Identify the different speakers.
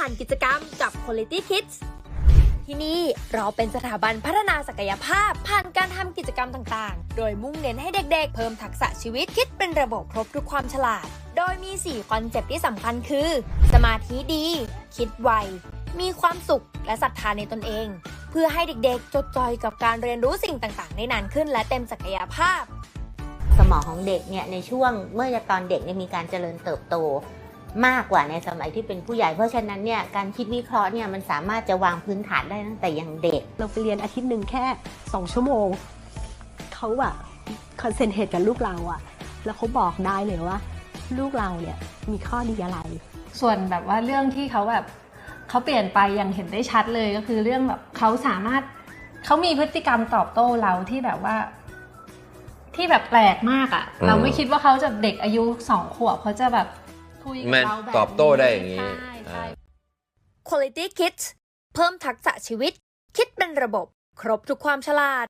Speaker 1: านกิจกรรมกับ Quality Kids ที่นี่เราเป็นสถาบันพัฒนาศักยภาพผ่านการทำกิจกรรมต่างๆ โดยมุ่งเน้นให้เด็กๆเพิ่มทักษะชีวิตคิดเป็นระบบครบทุกความฉลาด โดยมี 4 คอนเซปต์ที่สำคัญคือ สมาธิดี คิดไว มีความสุขและศรัทธาในตนเอง เพื่อให้เด็กๆจดจ่อยกับการเรียนรู้สิ่งต่างๆได้นานขึ้นและเต็มศักยภาพ
Speaker 2: สมองของเด็กเนี่ยในช่วงเมื่อตอนเด็กเนี่ยมีการเจริญเติบโตมากกว่าในสมัยที่เป็นผู้ใหญ่เพราะฉะนั้นเนี่ยการคิดวิเคราะห์เนี่ยมันสามารถจะวางพื้นฐานได้ตั้งแต่ยังเด็ก
Speaker 3: เราไปเรียนอาทิตย์หนึ่งแค่2 ชั่วโมงเขาอะคอนเซนเทรตกับลูกเราอะแล้วเขาบอกได้เลยว่าลูกเราเนี่ยมีข้อดีอะไร
Speaker 4: ส่วนแบบว่าเรื่องที่เขาแบบเขาเปลี่ยนไปอย่างเห็นได้ชัดเลยก็คือเรื่องแบบเขาสามารถเขามีพฤติกรรมตอบโต้เราที่แบบว่าที่แบบแปลกมากอะเราไม่คิดว่าเขาจะเด็กอายุ2 ขวบเขาจะแบบคุยกับเราแบบ
Speaker 5: ตอบโต้ได้อย่างนี้
Speaker 4: ใช่
Speaker 1: Quality Kids เพิ่มทักษะชีวิตคิดเป็นระบบครบทุกความฉลาด